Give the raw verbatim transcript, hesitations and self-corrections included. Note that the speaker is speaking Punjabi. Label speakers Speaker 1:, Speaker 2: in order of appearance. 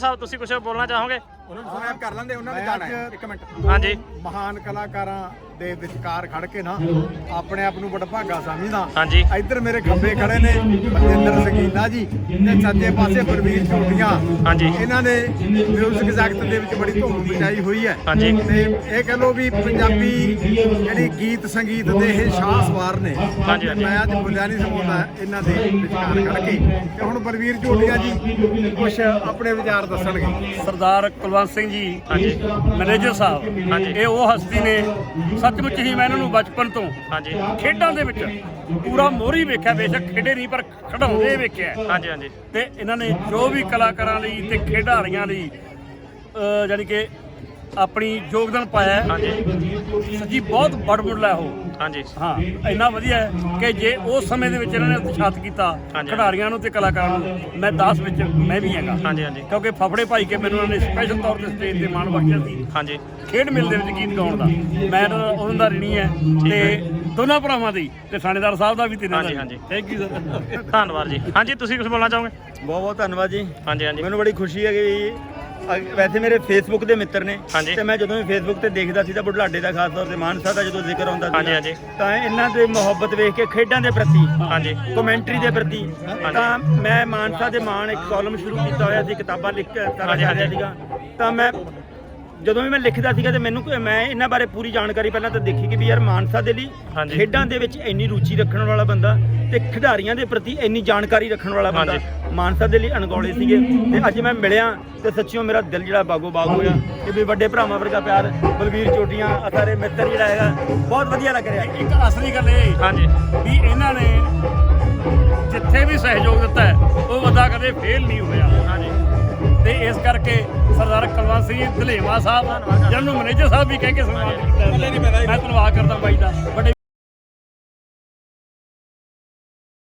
Speaker 1: ਸਾਹਿਬ ਤੁਸੀਂ ਕੁਝ ਬੋਲਣਾ ਚਾਹੋਗੇ?
Speaker 2: ਉਹਨਾਂ ਨੂੰ ਸੁਣਿਆ ਕਰ ਲੈਂਦੇ, ਉਹਨਾਂ ਨੇ ਜਾਣਾ ਹੈ। ਇੱਕ ਮਿੰਟ।
Speaker 1: ਹਾਂਜੀ,
Speaker 2: ਮਹਾਨ ਕਲਾਕਾਰਾਂ ਦੇ ਵਿਚਕਾਰ ਖੜ ਕੇ ਨਾ ਆਪਣੇ ਆਪ ਨੂੰ ਬੜਾ ਭਾਗਾ ਸਮਝਦਾ।
Speaker 1: ਹਾਂਜੀ,
Speaker 2: ਇੱਧਰ ਮੇਰੇ ਖੱਬੇ ਖੜੇ ਨੇ ਬਲਜਿੰਦਰ ਸੰਗੀਨਾ ਜੀ ਤੇ ਸੱਜੇ ਪਾਸੇ ਬਲਵੀਰ ਝੋਟੀਆਂ।
Speaker 1: ਹਾਂਜੀ,
Speaker 2: ਇਹਨਾਂ ਨੇ ਮਿਊਜ਼ਿਕ ਜਗਤ ਦੇ ਵਿੱਚ ਬੜੀ ਧੂਮ ਮਚਾਈ ਹੋਈ ਹੈ।
Speaker 1: ਹਾਂਜੀ,
Speaker 2: ਤੇ ਇਹ ਕਹ ਲੋ ਵੀ ਪੰਜਾਬੀ ਜਿਹੜੀ ਗੀਤ ਸੰਗੀਤ ਦੇ ਇਹ ਸ਼ਾਹ ਸਵਾਰ ਨੇ।
Speaker 1: ਹਾਂਜੀ, ਹਾਂਜੀ।
Speaker 2: ਮੈਂ ਅੱਜ ਬੁਲਿਆ ਨਹੀਂ ਸਮਾਉਂਦਾ ਇਹਨਾਂ ਦੇ ਵਿਚਕਾਰ ਖੜ ਕੇ। ਤੇ ਹੁਣ ਬਲਵੀਰ ਝੋਟੀਆਂ ਜੀ ਕੁਝ ਆਪਣੇ ਵਿਚਾਰ ਦੱਸਣਗੇ।
Speaker 3: ਸਰਦਾਰ ਕੁਲਵੰਤ ਸਿੰਘ ਜੀ,
Speaker 1: ਹਾਂਜੀ,
Speaker 3: ਮੈਨੇਜਰ ਸਾਹਿਬ,
Speaker 1: ਹਾਂਜੀ।
Speaker 3: ਇਹ ਉਹ ਹਸਤੀ ਨੇ ਸੱਚਮੁੱਚ ਹੀ ਮੈਂ ਇਹਨਾਂ ਨੂੰ ਬਚਪਨ ਤੋਂ
Speaker 1: ਹਾਂਜੀ,
Speaker 3: ਖੇਡਾਂ ਦੇ ਵਿੱਚ ਪੂਰਾ ਮੋਹਰੀ ਵੇਖਿਆ, ਬੇਸ਼ੱਕ ਖੇਡੇ ਨਹੀਂ ਪਰ ਖਿਡਾਉਂਦੇ ਵੇਖਿਆ।
Speaker 1: ਹਾਂਜੀ, ਹਾਂਜੀ,
Speaker 3: ਤੇ ਇਹਨਾਂ ਨੇ ਜੋ ਵੀ ਕਲਾਕਾਰਾਂ ਲਈ ਤੇ ਖਿਡਾਰੀਆਂ ਲਈ ਅਹ ਜਾਣੀ ਕਿ ਆਪਣੀ ਯੋਗਦਾਨ ਪਾਇਆ ਹੈ।
Speaker 1: ਹਾਂਜੀ,
Speaker 3: ਸੱਚੀ ਬਹੁਤ ਬੜਮੁੱਲਾ ਉਹ।
Speaker 1: ਹਾਂਜੀ,
Speaker 3: ਹਾਂ, ਇੰਨਾ ਵਧੀਆ ਹੈ ਕਿ ਜੇ ਉਸ ਸਮੇਂ ਦੇ ਵਿੱਚ ਇਹਨਾਂ ਨੇ ਉਤਸ਼ਾਹਿਤ ਕੀਤਾ
Speaker 1: ਹਾਂਜੀ।
Speaker 3: ਖਿਡਾਰੀਆਂ ਨੂੰ ਤੇ ਕਲਾਕਾਰਾਂ ਨੂੰ, ਮੈਂ ਦਸ ਵਿੱਚ ਮੈਂ ਵੀ ਹੈਗਾ।
Speaker 1: ਹਾਂਜੀ, ਹਾਂਜੀ,
Speaker 3: ਕਿਉਂਕਿ ਫਫੜੇ ਭਾਈ ਕੇ ਮੈਨੂੰ ਉਹਨਾਂ ਨੇ ਸਪੈਸ਼ਲ ਤੌਰ ਤੇ ਸਟੇਜ ਤੇ ਮਾਣ ਬਖਸ਼ਿਆ ਸੀ
Speaker 1: ਹਾਂਜੀ,
Speaker 3: ਖੇਡ ਮੇਲੇ ਦੇ ਵਿੱਚ ਗੀਤ ਗਾਉਣ ਦਾ। ਮੈਂ ਤਾਂ ਉਹਨਾਂ ਦਾ ਰਿਣੀ ਹੈ ਤੇ ਦੋਨਾਂ ਭਰਾਵਾਂ ਦੀ ਤੇ ਥਾਣੇਦਾਰ ਸਾਹਿਬ ਦਾ ਵੀ ਤੇ
Speaker 1: ਹਾਂਜੀ, ਹਾਂਜੀ।
Speaker 3: Thank you sir.
Speaker 1: ਧੰਨਵਾਦ ਜੀ। ਹਾਂਜੀ, ਤੁਸੀਂ ਕੁਝ ਬੋਲਣਾ ਚਾਹੋਗੇ?
Speaker 4: ਬਹੁਤ ਬਹੁਤ ਧੰਨਵਾਦ ਜੀ।
Speaker 1: ਹਾਂਜੀ, ਹਾਂਜੀ,
Speaker 4: ਮੈਨੂੰ ਬੜੀ ਖੁਸ਼ੀ ਹੈ ਕਿ ਅ- ਵੈਸੇ ਮੇਰੇ ਫੇਸਬੁੱਕ ਦੇ ਮਿੱਤਰ ਨੇ
Speaker 1: ਹਾਂਜੀ।
Speaker 4: ਤੇ ਮੈਂ ਜਦੋਂ ਵੀ ਫੇਸਬੁੱਕ ਤੇ ਦੇਖਦਾ ਸੀ ਤਾਂ ਬੁਢਲਾਡੇ ਦਾ ਖਾਸ ਤੌਰ ਤੇ ਮਾਨਸਾ ਦਾ ਜਦੋਂ ਜ਼ਿਕਰ ਆਉਂਦਾ
Speaker 1: ਹਾਂਜੀ, ਹਾਂਜੀ,
Speaker 4: ਤਾਂ ਇਹਨਾਂ ਦੇ ਮੁਹੱਬਤ ਵੇਖ ਕੇ ਖੇਡਾਂ ਦੇ ਪ੍ਰਤੀ,
Speaker 1: ਹਾਂਜੀ,
Speaker 4: ਕਮੈਂਟਰੀ ਦੇ ਪ੍ਰਤੀ, ਤਾਂ ਮੈਂ ਮਾਨਸਾ ਦੇ ਮਾਣ ਇੱਕ ਕਾਲਮ ਸ਼ੁਰੂ ਕੀਤਾ ਹੋਇਆ ਸੀ, ਕਿਤਾਬਾਂ ਲਿਖ ਕੇ ਸਾਰਾ
Speaker 1: ਹਾਂਜੀ,
Speaker 4: ਕਰ ਰਿਹਾ
Speaker 1: ਹਾਂਜੀ।
Speaker 4: ਸੀਗਾ। ਤਾਂ ਮੈਂ ਜਦੋਂ ਵੀ ਮੈਂ ਲਿਖਦਾ ਸੀਗਾ ਤੇ ਮੈਨੂੰ ਕੋਈ- ਮੈਂ ਇਹਨਾਂ ਬਾਰੇ ਪੂਰੀ ਜਾਣਕਾਰੀ ਪਹਿਲਾਂ ਤਾਂ ਦੇਖੀ ਕਿ ਵੀ ਯਾਰ ਮਾਨਸਾ ਦੇ ਲਈ
Speaker 1: ਹਾਂਜੀ।
Speaker 4: ਖੇਡਾਂ ਦੇ ਵਿੱਚ ਇੰਨੀ ਰੁਚੀ ਰੱਖਣ ਵਾਲਾ ਬੰਦਾ ਤੇ ਖਿਡਾਰੀਆਂ ਦੇ ਪ੍ਰਤੀ ਇੰਨੀ ਜਾਣਕਾਰੀ ਰੱਖਣ ਵਾਲਾ ਬੰਦਾ ਮਾਨਸਾ ਦੇ ਲਈ ਅਣਗੌਲੇ ਸੀਗੇ। ਤੇ ਅੱਜ ਮੈਂ ਮਿਲਿਆ ਤੇ ਸੱਚੀਓ ਮੇਰਾ ਦਿਲ ਜਿਹੜਾ ਬਾਗੋ ਬਾਗ ਹੋਇਆ ਕਿ ਵੀ ਵੱਡੇ ਭਰਾਵਾਂ ਵਰਗਾ ਪਿਆਰ, ਬਲਵੀਰ ਚੋਟੀਆਂ, ਸਾਰੇ ਮਿੱਤਰ ਜਿਹੜਾ ਹੈਗਾ ਬਹੁਤ ਵਧੀਆ ਲੱਗ ਰਿਹਾ।
Speaker 3: ਇੱਕ ਅਸਲੀ ਗੱਲ ਇਹ
Speaker 1: ਹਾਂਜੀ,
Speaker 3: ਵੀ ਇਹਨਾਂ ਨੇ ਜਿੱਥੇ ਵੀ ਸਹਿਯੋਗ ਦਿੱਤਾ ਹੈ ਉਹ ਅਦਾ ਕਦੇ ਫੇਲ ਨਹੀਂ ਹੋਇਆ।
Speaker 1: ਹਾਂਜੀ।
Speaker 3: ਤੇ ਇਸ ਕਰਕੇ ਸਰਦਾਰ ਕੁਲਵੰਤ ਸਿੰਘ ਧਲੇਵਾ ਸਾਹਿਬ, ਜਿਹਨੂੰ ਮੈਨੇਜਰ ਸਾਹਿਬ ਵੀ ਕਹਿ ਕੇ ਸਨਮਾਨ ਕੀਤਾ, ਮੈਂ ਧੰਨਵਾਦ ਕਰਦਾ ਬਾਈ ਦਾ। ਵੱਡੇ